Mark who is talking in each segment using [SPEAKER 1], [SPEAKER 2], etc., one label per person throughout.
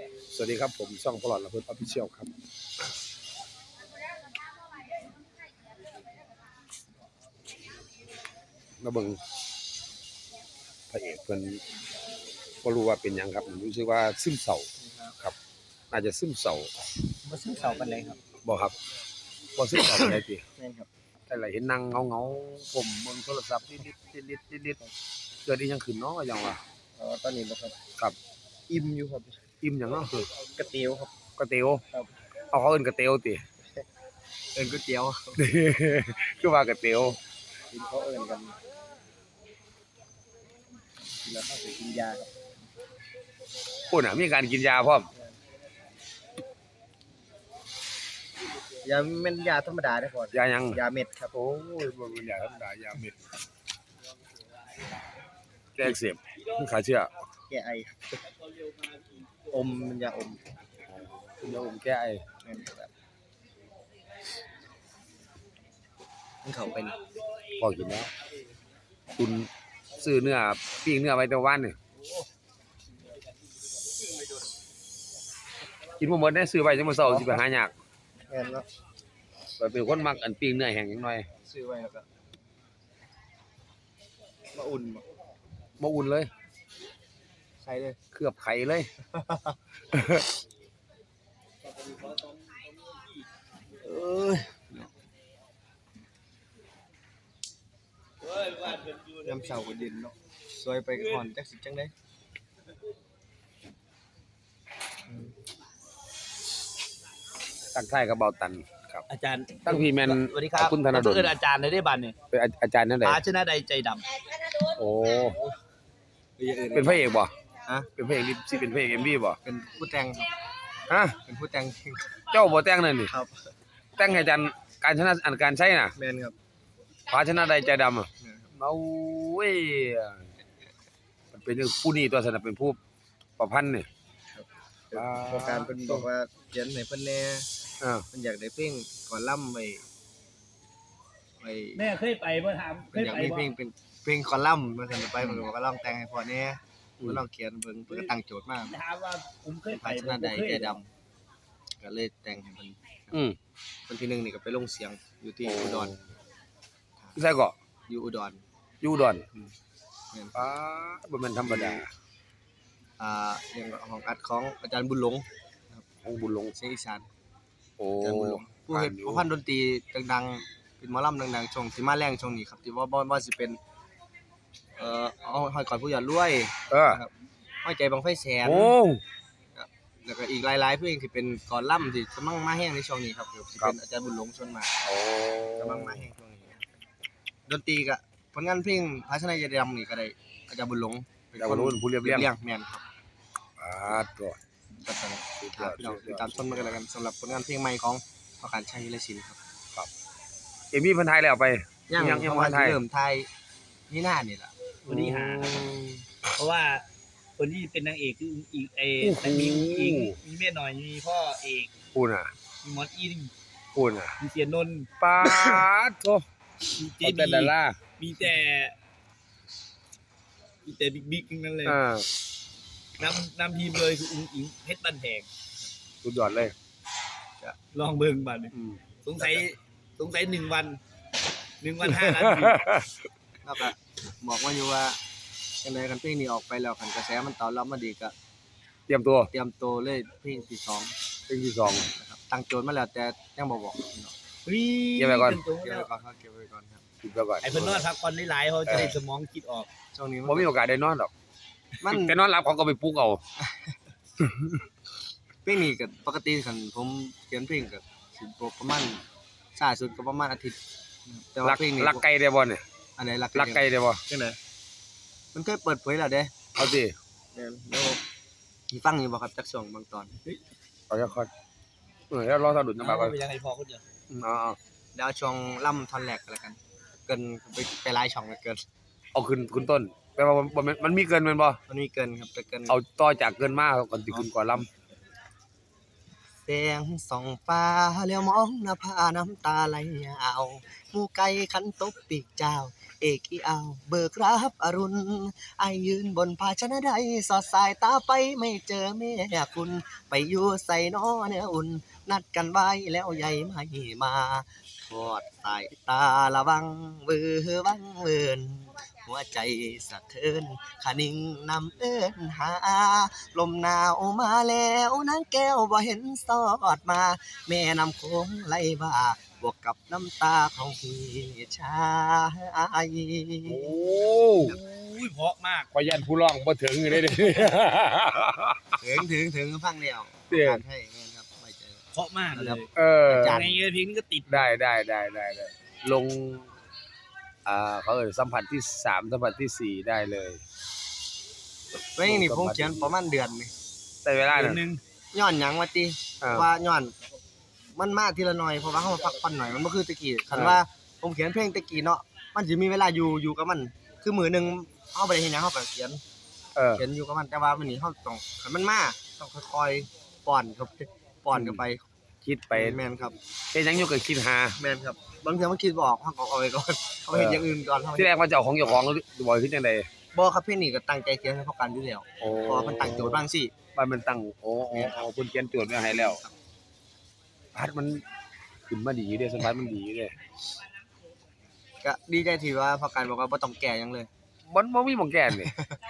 [SPEAKER 1] สวัสดีครับผมช่องพลอดละเพิ่นออฟฟิเชียลครับมาเบิ่งพระเอกเพิ่นบ่รู้ว่าเป็นหยังครับรู้สึกว่าซึมเศร้าครับน่าจะซึมเศร้า
[SPEAKER 2] บ่ซึ่งเสาปานใดครับ
[SPEAKER 1] บ่ครับบ่ซึมเศร้าปานใดติ
[SPEAKER 2] แม่นครับ
[SPEAKER 1] แต่ละเห็นนั่งเหงาๆผมเบิ่งโทรศัพท์นิดๆๆๆเกิดอีหยังขึ้นเนาะหยังวะ
[SPEAKER 2] ตอนนี้บ่ครับ
[SPEAKER 1] ครับ
[SPEAKER 2] อิ่มอยู่ครับ
[SPEAKER 1] อิ่มหยังเนาะคือก
[SPEAKER 2] ระเตี๋ยวครับ
[SPEAKER 1] ก๋วยเตี๋ยว
[SPEAKER 2] ครับ
[SPEAKER 1] เอาเขาเอิ้นก๋วยเตี๋ยวติ
[SPEAKER 2] เอิ้นก๋วยเตี๋ยว
[SPEAKER 1] คือว่าก๋วยเตี๋ยว
[SPEAKER 2] กินเขาเอิ้นกันแล้วเขาสิกินยาครับ
[SPEAKER 1] พุ่นน่ะมีการกินยาพร้อม
[SPEAKER 2] ยาแม่นยาธรรมดาเด้อพ่อย
[SPEAKER 1] าหยัง
[SPEAKER 2] ยาเม็ดครับ
[SPEAKER 1] โอ้ยบ่เป็นยาธรรมดายาเม็ดแก้อักเสบขาเชื้อ
[SPEAKER 2] แก้ไอครับอมมันยาอม
[SPEAKER 1] ยาอมแก้ไอ
[SPEAKER 2] แม่นครับมันเข้าไปนี่
[SPEAKER 1] พอกินแล้วคุณซื้อเนื้อปิ้งเนื้อไว้แต่วันนี่กินบ่หมดได้ซื้อไว้จังมื้อเช้าสิไปหายาก
[SPEAKER 2] แม่นเนาะ
[SPEAKER 1] ข้อยเป็นคนมักอันปิ้งเนื้อแห้งจังหน่อย
[SPEAKER 2] ซื้อไว้แล้วก็มาอุ่นบ่
[SPEAKER 1] บ่อุ่นเลย
[SPEAKER 2] ใส่เลย
[SPEAKER 1] เคลือบไข่เลยเอ้ย
[SPEAKER 2] ยามเช้าก็เย็นเนาะซอยไปก็ฮ้อนจักสิจังได๋
[SPEAKER 1] ตั้งท้ายกับเบาตันครับ
[SPEAKER 3] อาจารย์
[SPEAKER 1] ตั้งพี่แม่น
[SPEAKER 3] สวัสดีครับ
[SPEAKER 1] คุณธนดล
[SPEAKER 3] เอิ้นอาจารย์ได้บัดนี่
[SPEAKER 1] เป็นอาจารย์นั่นใด
[SPEAKER 3] พาชนะใดใจดำ
[SPEAKER 1] โอ้
[SPEAKER 2] อย่างอื่น
[SPEAKER 1] เป็นพระเอกบ่
[SPEAKER 2] ฮะ
[SPEAKER 1] เป็นพระเอกสิเป็นพระเอก MV บ่
[SPEAKER 2] เป็นผู้แต่งครับ
[SPEAKER 1] ฮะ
[SPEAKER 2] เป็นผู้แต่งเพลง
[SPEAKER 1] เจ้าบ่แต่งนั่นนี่
[SPEAKER 2] ครับ
[SPEAKER 1] แต่งให้อาจารย์การชนะอันการใช้น่ะ
[SPEAKER 2] แม่นครับ
[SPEAKER 1] ภาชนะใดใจดำอ่ะ
[SPEAKER 2] แม่นครับ
[SPEAKER 1] เอาเว้ยมันเป็นผู้นี้ตัวสนับเป็นผู้ประพันธ์นี่
[SPEAKER 2] โครงการเพิ่นบอกว่าเขียนให้เพิ่นแหน่
[SPEAKER 1] อ่า
[SPEAKER 2] เพิ่นอยากได้เพลงก่อนล่ำไว้
[SPEAKER 3] แม่เคยไปบ่ถามเค
[SPEAKER 2] เพิ่น
[SPEAKER 3] ย
[SPEAKER 2] อยาก
[SPEAKER 3] ไป
[SPEAKER 2] มี
[SPEAKER 3] บ่
[SPEAKER 2] เพลงเป็นเพลงก่อนล่ำเพิ่นก็ไปเพิ่นก็บอกว่าลองแต่งให้พ่อแหน่เพิ่นลองเขียนเพิ่นก็ตั้งโจทย์มา
[SPEAKER 3] ถามว่าผมเคยไป
[SPEAKER 2] ภาชนะใดใจดำก็เลยแต่งให้เพิ่น
[SPEAKER 1] อืม
[SPEAKER 2] วันที่1นี่ก็ไปลงเสียงอยู่ที่อุดร
[SPEAKER 1] ใช่ก็
[SPEAKER 2] อยู่อุดร
[SPEAKER 1] อยู่อุดอน
[SPEAKER 2] แม่น
[SPEAKER 1] ป้าบ่แม่นธรรมดา
[SPEAKER 2] เรื่องของอัดของอาจารย์บุญหลง
[SPEAKER 1] ของบุญหลง
[SPEAKER 2] เสียงอีสาน
[SPEAKER 1] โอ้
[SPEAKER 2] อาจารย์บุญหลงผู้เฮ็ดผู้พันดนตรีดังๆเป็นหมอลำดังๆช่วงที่มาแรงช่วงนี้ครับที่ว่าสิเป็นเอาห้อยก่อนผู้หยาดรวย
[SPEAKER 1] เออ
[SPEAKER 2] นะครับห้อยใจบังไฟแสน
[SPEAKER 1] โอ้
[SPEAKER 2] แล้วก็อีกหลายๆเพลงที่เป็นก่อนล่ำที่กำลังมาแห้งในช่วงนี้ครับสิเป็นอาจารย์บุญหลงชวนมาก
[SPEAKER 1] โอ้
[SPEAKER 2] กำลังมาแห้งช่วงนี้ดนตรีก็ผลงานเพลงภาชนะยาดำนี่ก็ได้อาจารย์บุญหลงเป็น
[SPEAKER 1] แต่
[SPEAKER 2] ค
[SPEAKER 1] ว่าน รู้ผู้เรียบเรียง
[SPEAKER 2] แม่นครับ
[SPEAKER 1] ตัว
[SPEAKER 2] ก็ต้องพี่น้องติดตามชมกันแล้วกันสำหรับผลงานเพลงใหม่ของประการชัยและศิลป์ครับ
[SPEAKER 1] เอ็มวีเพิ่นถ่ายแล้วไป
[SPEAKER 2] ยัง
[SPEAKER 1] ยัง
[SPEAKER 2] เพราะ
[SPEAKER 1] บ่
[SPEAKER 2] ว่า
[SPEAKER 1] ทันถ่าย
[SPEAKER 2] เริ่มไทยนี่หน้านี่แหละ
[SPEAKER 3] คนที่หาเพราะว่าคนที่เป็นนางเอกคืออีกมีอิงมีแม่หน่อยมีพ่อเอก
[SPEAKER 1] พูดน่ะ
[SPEAKER 3] มีมอสอิน
[SPEAKER 1] พูดน่ะ
[SPEAKER 3] มีเสียนนท์
[SPEAKER 1] ป้าดโต
[SPEAKER 3] มีเจ
[SPEAKER 1] เอาแต่
[SPEAKER 3] บี
[SPEAKER 1] ดารา
[SPEAKER 3] มีแต่บิ๊กทั้งนั้นเลย
[SPEAKER 1] อ่า
[SPEAKER 3] นำทีมเลยคืออุ้งอิงเพชรบันแพง
[SPEAKER 1] สุดยอดเลย
[SPEAKER 3] ลองเบิ่งบัดนี่
[SPEAKER 1] อืม
[SPEAKER 3] สงสัย1 วัน5 นาที
[SPEAKER 2] แล้วก็บอกว่าอยู่ว่าจังไดกันเพลงนี้ออกไปแล้วคันกระแสมันตอบรับมาดีก็
[SPEAKER 1] เตรียมตัว
[SPEAKER 2] เตรียมตัวเลยเพลงที่2
[SPEAKER 1] เพลงที่สอง
[SPEAKER 2] นะครับตั้งโจทย์มาแล้วแต่ยังบ่บอกพี่น้อง
[SPEAKER 1] เก็บไว้ก่อน
[SPEAKER 2] เก็บไว้ก่อนครับเก็บไว้ก่อนครับ
[SPEAKER 1] คิดไปก่อน
[SPEAKER 3] ไอ้เพิ่นนอนพักผ่อนหลายๆเขาจะได้สมองคิดออก
[SPEAKER 2] ช่วงนี้
[SPEAKER 1] บ่มีโอกาสได้นอนหรอก
[SPEAKER 2] มัน
[SPEAKER 1] แต่นอนหลับเขาก็ไปปลุกเอา
[SPEAKER 2] เพลงนี้ก็ปกติคันผมเขียนเพลงก็สิประมาณช้าสุดก็ประมาณอาทิตย์นะครับแต่ว่าเพลงนี้
[SPEAKER 1] ลักไก่ได้บ่เนี่ย
[SPEAKER 2] อันไหนลัก
[SPEAKER 1] ลักไก่ได้บ่
[SPEAKER 2] จังไดมันเคยเปิดเผยแล้วเด้
[SPEAKER 1] เอาสิ
[SPEAKER 2] แล้วมีฟังอยู่บ่ครับจักช่วงบางตอน
[SPEAKER 1] เอาจะคอยแล้วรอสะดุดนะ
[SPEAKER 3] เอา
[SPEAKER 1] บ่าว
[SPEAKER 3] ไปยังให้พอคนเดียว
[SPEAKER 1] เอา
[SPEAKER 2] เดี๋ยวเอาช่วงล่ำท่อนแรกก็แล้วกัน เกินไปหลายช่องเหลือเกิน
[SPEAKER 1] เอาขึ้นต้นแปลว่ามันมีเกินแม่นบ่
[SPEAKER 2] มันมีเกินครับแต่เกิน
[SPEAKER 1] เอาต่อจากเกินมาก่อนสิขึ้นก่อนลำ
[SPEAKER 2] แสงส่องฟ้าแล้วมองหน้าผาน้ำตาไหลยาวหมู่ไก่ขันตบปีกเจ้าเอกอีเอาเบิกรับอรุณไอยืนบนภาชนะใดสอดสายตาไปไม่เจอแม่คุณไปอยู่ใส่น้อเนื้ออุ่นนัดกันไว้แล้วใหญ่ไม่มาทอดสายตาละวังเบือวังเวินหัวใจสะเทือนขานิ่งนำเอิ้นหาลมหนาวมาแล้วนางแก้วบ่เห็นสอดมา แม่น้ำโขงไหลบ่าบวกกับน้ำตาของพี่ชาย
[SPEAKER 1] โอ้
[SPEAKER 3] อุ้ยเพราะมาก
[SPEAKER 1] ขอยันผู้ร้องบ่ถึงเลยเด้
[SPEAKER 2] ถึงฟังแล้ว
[SPEAKER 1] เด้อ
[SPEAKER 2] การให้แม่นครับไม่เจอ
[SPEAKER 3] เพราะมากเลย
[SPEAKER 1] เออ
[SPEAKER 2] จัด
[SPEAKER 3] ในเพลงนี้ก็ติด
[SPEAKER 1] ได้ลงเขาสัมผัสที่3สัมผัสที่4ได้เลย
[SPEAKER 2] เพลงนี้ผมเขียนประมาณเดือนนี่
[SPEAKER 1] แต่เวลา
[SPEAKER 3] เดือ
[SPEAKER 1] นั้น
[SPEAKER 3] นหนึง
[SPEAKER 2] ย้อนหยังว่าติ
[SPEAKER 1] อ่า
[SPEAKER 2] ว่าย้อนมันมาทีละหน่อยเพราะว่าเฮามาพักผ่อนหน่อยมันบ่คือตะกี้คันว่าผมเขียนเพลงตะกี้เนาะมันสิมีเวลาอยู่กับมัน คือมื้อหนึงเฮาบ่ได้เฮ็ดหยังเฮาก็เขียน เขียนอยู่กับมันแต่ว่ามื้อนี้เฮาต้องคันมันมาต้องค่อยๆป้อนเข้าไป
[SPEAKER 1] คิดไป
[SPEAKER 2] แม่นครับ
[SPEAKER 1] เฮ็ดหยังอยู่ก็คิดหา
[SPEAKER 2] แม่นครับบางเทื่อมันคิดบ่ออกเฮาก็เอาไว้ก่อนเอาไปเฮ็ดอย่างอื่นก่อนเฮา
[SPEAKER 1] ที่แรกว่าจะเอาของเจ้าของบ่คิดจังได๋
[SPEAKER 2] บ่ครับเพลงนี้ก็ตั้งใจเขียนให้เขากันอยู่แล้ว
[SPEAKER 1] โอ้
[SPEAKER 2] เพราะว่ามันตั้งโจทย์บางสิ
[SPEAKER 1] ว่ามันตั้งโอ้เพิ่นเขียนโจทย์ไว้ให้แล้วพัดมันขึ้นมาดีอยู่เด้สัมผัสมันดีอยู่เด้
[SPEAKER 2] ก็ดีใจที่ว่าพอกันบอกว่าบ่ต้องแก้หยังเลย
[SPEAKER 1] มันบ่มีหม่องแก้นี่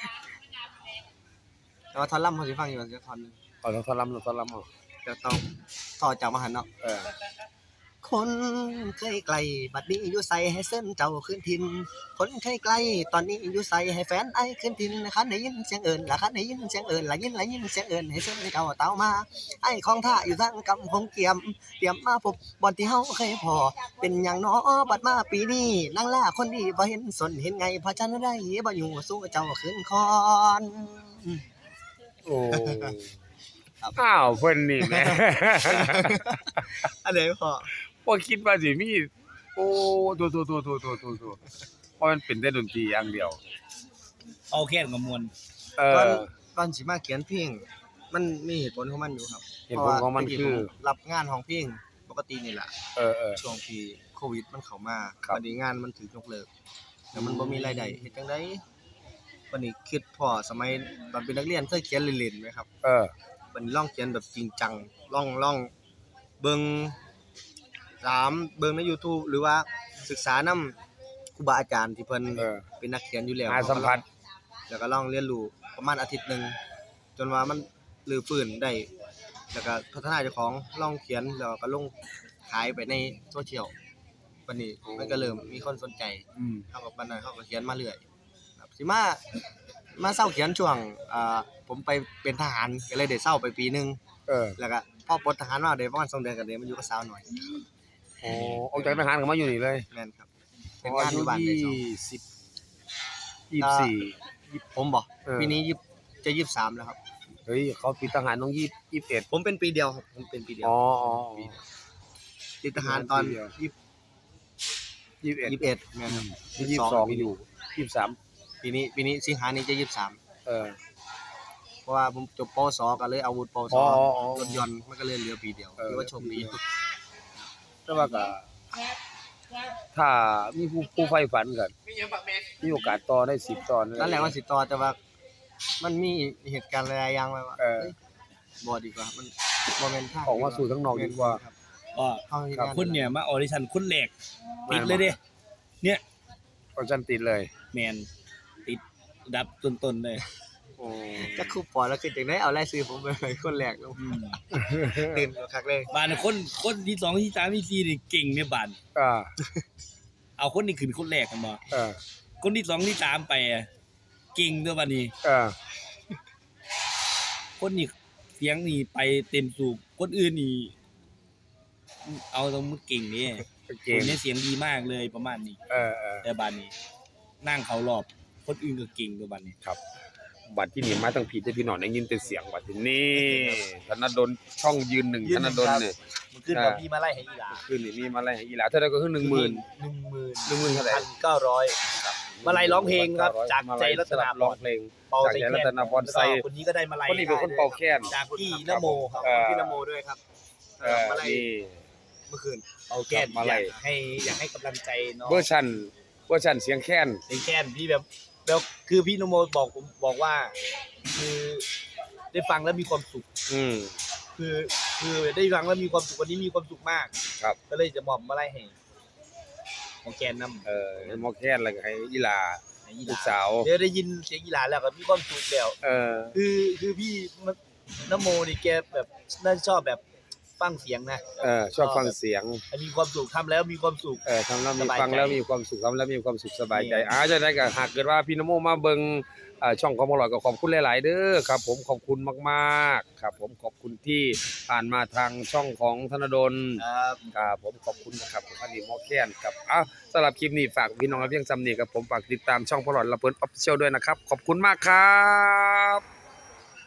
[SPEAKER 2] แต่ว่าท่อนล่ำเขาสิฟังอยู่จักท่อนหนึง
[SPEAKER 1] เอาทอลำเอา
[SPEAKER 2] จะต้องต่อจากมหันต์เนาะ
[SPEAKER 1] เออ
[SPEAKER 2] คนเคยไกลบัดนี้อยู่ไสให้เส้นเจ้าขึ้นทินคนเคยไกลตอนนี้อยู่ไสให้แฟนไอ้ขึ้นทินคันได้ยินเสียงเอิ้นละคันได้ยินเสียงเอิ้นละยินเสียงเอิ้นให้เส้นเจ้าเต้ามาไอ้ของท่าอยู่ทางกำคงเตรียมมาพบบ่อนที่เฮาเคยพอเป็นหยังน้อบัดมาปีนี้นางล่าคนดีบ่เห็นสนเห็นไงเพราะฉันได้บ่อยู่สู้เจ้าขึ้นคอน
[SPEAKER 1] โอ้
[SPEAKER 2] ครับ
[SPEAKER 1] อ้าวเพิ่นนี่แหม
[SPEAKER 2] อันไหนพอ
[SPEAKER 1] บ่คิดว่าสิมีโอ้โตเพราะมันเป็นแต่ดนตรีอย่างเดียว
[SPEAKER 3] เอาแค่กับมวล
[SPEAKER 1] เอ
[SPEAKER 2] ก่อน
[SPEAKER 1] อ
[SPEAKER 2] ก่อนสิมาเขียนเพลงมันมีเหตุผลของมันอยู่ครับ
[SPEAKER 1] เหตุผลของมัน
[SPEAKER 2] เพราะว่า
[SPEAKER 1] คือ
[SPEAKER 2] ตะกี้ผมรับงานของเพลงปกตินี่แหละ
[SPEAKER 1] เออ
[SPEAKER 2] ช่วงที่โควิดมันเข้ามา
[SPEAKER 1] ครับ
[SPEAKER 2] วันนี้งานมันถูกยกเลิกแล้วมันบ่มีรายได้เฮ็ดจังได๋วันนี้คิดพอสมัยตอนเป็นนักเรียนเคยเขียนเล่นๆไหมครับ
[SPEAKER 1] เออ
[SPEAKER 2] วันนี้ลองเขียนแบบจริงจังลองเบิ่งเบิ่งใน YouTube หรือว่าศึกษานำครูบาอาจารย์ที่เพิ่น
[SPEAKER 1] เออ
[SPEAKER 2] เป็นนักเขียนอยู่แล้ว
[SPEAKER 1] หาสัมผัส
[SPEAKER 2] แล้วก็ลองเรียนรู้ประมาณอาทิตย์หนึงจนว่ามันรื้อฟื้นได้ แล้วก็พัฒนาเจ้าของลองเขียนแล้วก็ลงขายไปในโซเชียลบัดนี้มันก็เริ่มมีคนสนใจ
[SPEAKER 1] อืม
[SPEAKER 2] เฮาก็บัดนั้นเฮาก็เขียนมาเรื่อยครับสิมาเซาเขียนช่วงผมไปเป็นทหารก็เลยได้เซาไปปีหนึง
[SPEAKER 1] เออ
[SPEAKER 2] แล้วก็พอปลดทหารมาได้ประมาณ2เดือนก็ได้มาอยู่กับสาวหน่อย
[SPEAKER 1] โอ้ออกจากทหารก็มาอยู่นี่เลย
[SPEAKER 2] แม่นครับเป็นงานอยู่บ้านได้สอง
[SPEAKER 1] 24
[SPEAKER 2] ผมบ่
[SPEAKER 1] เออ
[SPEAKER 2] ปีนี้จะ23แล้วครับ
[SPEAKER 1] เฮ้ยเขาปีทหารต้อง21
[SPEAKER 2] ผมเป็นปีเดียวครับผมเป็นปีเดียว
[SPEAKER 1] อ๋อ
[SPEAKER 2] ติดทหารตอน
[SPEAKER 1] 21
[SPEAKER 2] 21แม่นครับ
[SPEAKER 1] 22อยู่23
[SPEAKER 2] ปีนี้สิงหานี้จะ23
[SPEAKER 1] เออ
[SPEAKER 2] เพราะว่าผมจบปวสก็เลยเอาวุฒิปวส
[SPEAKER 1] อ๋อ
[SPEAKER 2] รถยนต์มันก็เลยเหลือปีเดียว
[SPEAKER 1] เออ
[SPEAKER 2] ถือว่าโชคดี
[SPEAKER 1] แต่ว่าก็ถ้ามีผู้ใฝ่ฝันก็มีโอกาสต่อได้10ตอน
[SPEAKER 2] นั่นแหละว่าสิต่อแต่ว่ามันมีเหตุการณ์หลายๆอย่างไว้ว่า
[SPEAKER 1] เออ
[SPEAKER 2] เอ้ยบ่ดีกว่ามันบ่แม่นทาง
[SPEAKER 1] ออกมาสู่ข้างนอกดีกว่า
[SPEAKER 2] ครับ
[SPEAKER 3] ก็
[SPEAKER 2] เฮาเฮ็ด
[SPEAKER 1] ครับ
[SPEAKER 2] งาน
[SPEAKER 3] คนเนี่ยมาออดิชั่นคนแรกติดเลยเด้เนี่ย
[SPEAKER 1] ก็จันติดเลย
[SPEAKER 3] แมนติดอันดับต้นๆเลย
[SPEAKER 1] โอ้
[SPEAKER 2] จักครูปอแล้วคือจังได๋เอารายชื่อผมไปให้คนแรกลง
[SPEAKER 3] อืม
[SPEAKER 2] ตื่นคักเลย
[SPEAKER 3] บ้านน่ะคนที่สองที่สามที่สี่นี่เก่งในบ้าน
[SPEAKER 1] อ่า
[SPEAKER 3] เอาคนที่ขึ้นคนแรกกันบ่
[SPEAKER 1] เออ
[SPEAKER 3] คนที่สองที่สามไปอะเก่งตัวบัดนี้
[SPEAKER 1] เออ
[SPEAKER 3] คนนี่เสียงนี่ไปเต็มสูบคนอื่นนี่เอาตรงมุดเก่งนี่
[SPEAKER 1] เก่ง
[SPEAKER 3] คนนี้เสียงดีมากเลยประมาณนี้
[SPEAKER 1] เออ
[SPEAKER 3] แต่บ้านนี้นั่งเขารอบคนอื่นก็เก่งตัวบัดนี้
[SPEAKER 1] บัตรที่นี่มาตั้งผิดแต่พี่น้องได้ยินแต่เสียงบัตรที่นี่ธนดลช่องยืนหนึ่งธนดลเนี่ย
[SPEAKER 3] มันขึ้นกับพี่มาไล่ให้อีหลา
[SPEAKER 1] คืนนี้มีมาอะไรให้อีหลาเท่าไหร่ก็คือ10,000 10,000เท่าไหร่
[SPEAKER 3] 1,900 มาลัยร้องเพลงครับจากใจรัตนาพร
[SPEAKER 1] ร้องเพลง
[SPEAKER 3] เป่า
[SPEAKER 1] จาก
[SPEAKER 3] ใส่
[SPEAKER 1] ใจ
[SPEAKER 3] แคน
[SPEAKER 1] รัตนาพร
[SPEAKER 3] แล้ว
[SPEAKER 1] ใส่
[SPEAKER 3] ก็คนนี้ก็ได้มาลัย
[SPEAKER 1] คนนี้เป็นคนเป่าแค้น
[SPEAKER 3] จากพี่นโมครับ
[SPEAKER 2] พี่นโมด้วยครับ มาลัย
[SPEAKER 1] นี่
[SPEAKER 2] เมื่อคืน
[SPEAKER 3] เป่าแค้น
[SPEAKER 1] มาลัย
[SPEAKER 3] อยากให้กำลังใจน้อง
[SPEAKER 1] เวอร์ชันเสียงแค้น
[SPEAKER 3] เพลงแค้นที่แบบคือพี่นโมบอกว่า คือได้ฟังแล้วมีความสุข
[SPEAKER 1] อืม
[SPEAKER 3] คือได้ฟังแล้วมีความสุขวันนี้มีความสุขมาก
[SPEAKER 1] ครับ
[SPEAKER 3] ก็เลยจะมอบมาลัยให้ของแกนนำ
[SPEAKER 1] ให้หมอแค้นแล้วก็ให้อีหลา
[SPEAKER 3] ให้อีห
[SPEAKER 1] ลู
[SPEAKER 3] ลาก
[SPEAKER 1] สาว
[SPEAKER 3] เดี๋ยวได้ยินเสียงอีหลาแล้วก็มีความสุขแล้ว คือพี่นโมนี่แกแบบน่าจะชอบแบบฟังเสียงนะ
[SPEAKER 1] ชอบฟังเสียง
[SPEAKER 3] มีความสุขทำแล้วมีความสุข
[SPEAKER 1] ทำแล้วมี
[SPEAKER 3] สบายใจ
[SPEAKER 1] ฟังแล้วมีความสุขทำแล้วมีความสุขสบายใจ
[SPEAKER 3] นี่
[SPEAKER 1] จะได้ก็หากเกิดว่าพี่นโมมาเบิ่งช่องของอร่อยก็ขอบคุณหลาย ๆ เด้อครับ ผมขอบคุณมากๆครับ ผมขอบคุณที่ผ่านมาทางช่องของธนดล
[SPEAKER 3] ครับ
[SPEAKER 1] ครับผมขอบคุณนะครับผมอันนี้หมอแค้นครับสำหรับคลิปนี้ฝากพี่น้องและเพียงจำนี่ครับผมฝากติดตามช่องพอลอดละเพิ่นออฟฟิเชียลด้วยนะครับ ขอบคุณมากครับ